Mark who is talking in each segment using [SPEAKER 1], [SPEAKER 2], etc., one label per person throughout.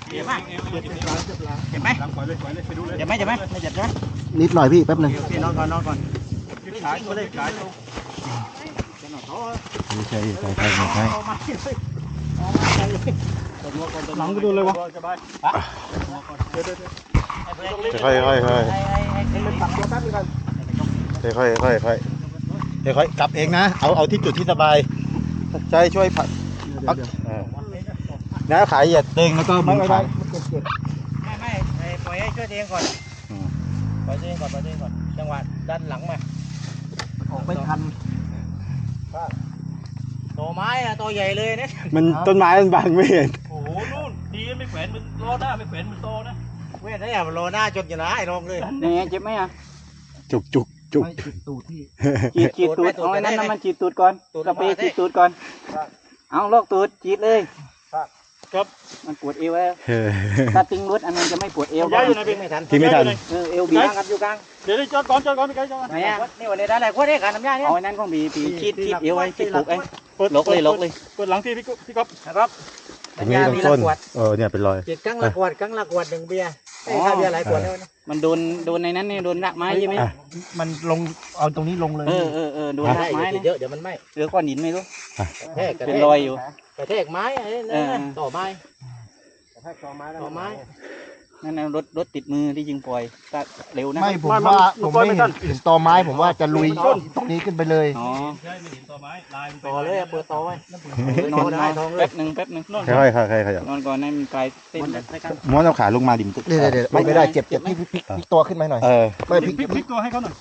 [SPEAKER 1] เจ็บไหมเจ็บไหมเจ็บไหมเจ็บไหมไม่เจ็บใช่ไหม
[SPEAKER 2] นิดหน่อยพี่แป๊บหนึง
[SPEAKER 1] พี่นอนก่อนนอนก่อน
[SPEAKER 2] ไม่ใช่ใส่ไข่หมดให้
[SPEAKER 1] หลังก็ดูเลยวะ
[SPEAKER 2] ค่อยๆค่อยๆค่อย
[SPEAKER 1] ปักตัวแป๊บนึงกัน
[SPEAKER 2] ๆค่อยๆค่อยๆค่อยๆกลับเองนะเอาที่จุดที่สบายใช่ช่วยผัดนะขายเหยียดเด้งแล้วก็มือขาย
[SPEAKER 1] ไม่ปล่อยให้ช่วยเองก่อนปล่อยเองก่อนปล่อยเองก่อนจังหวะดันหลังมา
[SPEAKER 2] ออกไม่ทัน
[SPEAKER 1] ตัวไม้อะตัวใหญ่เลยเนี่ย
[SPEAKER 2] มันต้นไม้มันบังไม่เห็น
[SPEAKER 3] โอ้โหนู่นดีไม่แขวนมันล้อหน้าไม่แขวนมันโตนะ
[SPEAKER 1] เว้ยนี่อย่าโลหน้าจนอยู่นะไอ้ลงเลย
[SPEAKER 4] นี่เจ็บไหมอ่ะ
[SPEAKER 2] จุก
[SPEAKER 1] ตูดที่
[SPEAKER 4] จีดตูดเอาไอ้นั่นมันจีดตูดก่อนกระเปจีดตูดก่อนเอาลอกตูดจีดเลยครับมันปวดเอวแล้วถ้าติ้งรถอันนั้นจะไม่ปวดเอว
[SPEAKER 3] ย้ายอยู่ไหนพี่
[SPEAKER 1] ไม่ทัน
[SPEAKER 2] ที่ไม่ทัน
[SPEAKER 4] เอวบีบครับอยู่กลาง
[SPEAKER 3] เดี๋ยวจอดก่อนพี่ไก่จอดก่อน
[SPEAKER 4] ไหนอ่ะ
[SPEAKER 1] นี่วันนี้ได้อะไรพวกนี้การน้ำยาเนี่ย
[SPEAKER 4] เอาไอ้นั่นของบีคีดเอวไว้คีดปลุกไอ้ลกเลย
[SPEAKER 3] เปิดหลังที่พี่ก๊อฟ
[SPEAKER 1] นะครับ
[SPEAKER 2] ตรงนี้ตรงต้นเนี่ยเป็นรอย
[SPEAKER 1] เจ็ดครั้งละขวดหนึ่งเบียร์ไอ้ข้าวเบียร์หลายขวดแล้วนะ
[SPEAKER 4] มันโดนในนั้นเนี่ยโดนรากไม้ใช่ไหม
[SPEAKER 1] มันลงเอาตรงนี้ลงเลย
[SPEAKER 4] โดนรากไม้
[SPEAKER 1] เยอะเดี๋ยวมันไหม้
[SPEAKER 4] เหลือก้อนหินไม่รู้
[SPEAKER 1] แทก
[SPEAKER 4] เป็นรอยอยู่
[SPEAKER 1] กระแทกไม้ไอ้นั่นต่อไม้ต่อไม้
[SPEAKER 4] นั่นรถติดมือที่ยิงปล่อยก็เร็วนะ
[SPEAKER 2] ไม่ผมว่าผมไม่เห็นตอไม้ผมว่าจะลุยตรงนี้ขึ้นไปเลย
[SPEAKER 4] อ๋อ
[SPEAKER 3] ใช่ไม่เห็นต่อไม้ลายมัน
[SPEAKER 1] ต่อเลยเปิดต่อไว้
[SPEAKER 4] นอนแป๊บหนึ่ง
[SPEAKER 2] ค่อยๆขยับ
[SPEAKER 4] นอนก่อนให้มันคลายเส้น
[SPEAKER 2] ม้วนเอาขาลงมาดิม
[SPEAKER 5] เดี๋ยวไม่ได้เจ็บพี่พลิกตัวขึ้นมาหน่อย ไม่พลิก
[SPEAKER 3] พลิกตัวให้เขาหน่อย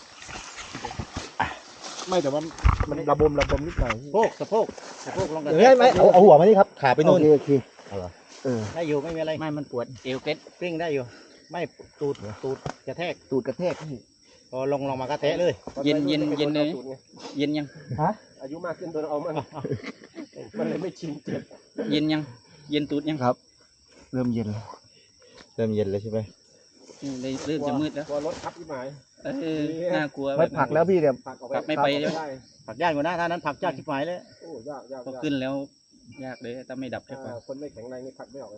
[SPEAKER 5] ไม่แต่ว่ามันระบมนิดหน่อย
[SPEAKER 1] สะโพกลงกัน
[SPEAKER 5] เฮ้ยไม่เอาหัวมานี่ครับขาไปโน่นโอเค
[SPEAKER 1] ได้อยู่ไม่มีอะไร
[SPEAKER 4] ไม่มันปวดเอวเกล็ด
[SPEAKER 1] กลิ้งได้อยู่ ไม่ตูดกระแทก
[SPEAKER 5] ตูดกระแทกพี่
[SPEAKER 1] พอลงมากระแทกเลย
[SPEAKER 4] เย็นเลยเย็นยัง
[SPEAKER 5] อายุมากขึ้นตัวเอามันเลยไม่ชินเจ็บ
[SPEAKER 4] เย็นยังเย็นตูดยัง
[SPEAKER 5] ครับ เริ่มเย็นแล้วใช่ไหม
[SPEAKER 4] เริ่มจะมืดแล้ว
[SPEAKER 5] กลัวรถทับที่หมาย
[SPEAKER 4] น่ากลัว
[SPEAKER 5] ไม่ผักแล้วพี่เดี๋ยว
[SPEAKER 4] ผักไม่ไปเลย
[SPEAKER 1] ผักยากกว่านะถ้านั้นผักยากชิบหายเลย
[SPEAKER 5] โอ้ยาก
[SPEAKER 4] พอขึ้นแล้วยากเลยถ้าไม่ดับใช่ปะ
[SPEAKER 5] คนไม่แข็งแรงนี่ผักไม่ออกเลย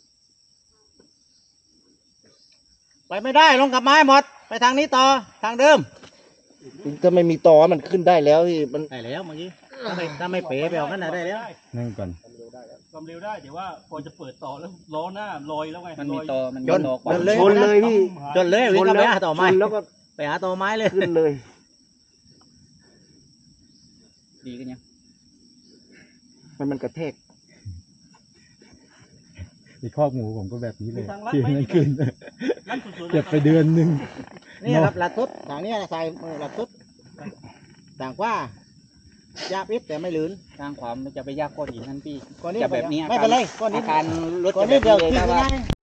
[SPEAKER 1] ไปไม่ได้ลงกับไม้หมดไปทางนี้ต่อทางเดิม
[SPEAKER 5] ถ้าไม่มีตอมันขึ้นได้แล้วพี่มัน
[SPEAKER 1] ได้แล้วเมื่อกี้ถ้าไม่เป๋ไปออกกันได้แล้ว
[SPEAKER 2] นั่งก่อน
[SPEAKER 3] ความเร็วได้เดี๋ยวว่าพอจะเปิดต่อแล้วล้อหน้าลอยแล้วไง
[SPEAKER 4] มันมีตอมันมี
[SPEAKER 1] จน
[SPEAKER 4] ตอกว่า
[SPEAKER 5] ชนเลยพี่
[SPEAKER 1] จนเลยวิ่งกันไปหาต่อไม้
[SPEAKER 5] แล้วก็
[SPEAKER 1] ไปหาต่อไม้เลย
[SPEAKER 5] ขึ้นเลย
[SPEAKER 4] ดีกันยัง
[SPEAKER 5] มันกระแทก
[SPEAKER 2] มีคอกหมูผมก็แบบนี้เลย
[SPEAKER 3] ทางลัด
[SPEAKER 2] ที่
[SPEAKER 3] ไม่
[SPEAKER 2] นั่นขึ้น
[SPEAKER 3] ลัดสุดๆ
[SPEAKER 2] เก็บไปเดือนหนึ่ง
[SPEAKER 1] นี่ครับหลัดทุบทางนี้ใส่มือหลัดทุบต่างว่ายาพิษแต่ไม่ลื่น
[SPEAKER 4] ทางขวามันจะไปยากก้อนหินนั่นพี่
[SPEAKER 1] ก้อนนี้
[SPEAKER 4] จะแบบนี้
[SPEAKER 1] ไม่เป็นไรก้อนนี้
[SPEAKER 4] อาการรถ
[SPEAKER 1] ก้อน
[SPEAKER 4] จะ
[SPEAKER 1] นี้
[SPEAKER 4] แบบ
[SPEAKER 1] เดียว
[SPEAKER 4] นี้เลย
[SPEAKER 1] ขึ้น
[SPEAKER 4] ถ้าว่า
[SPEAKER 1] ง่าย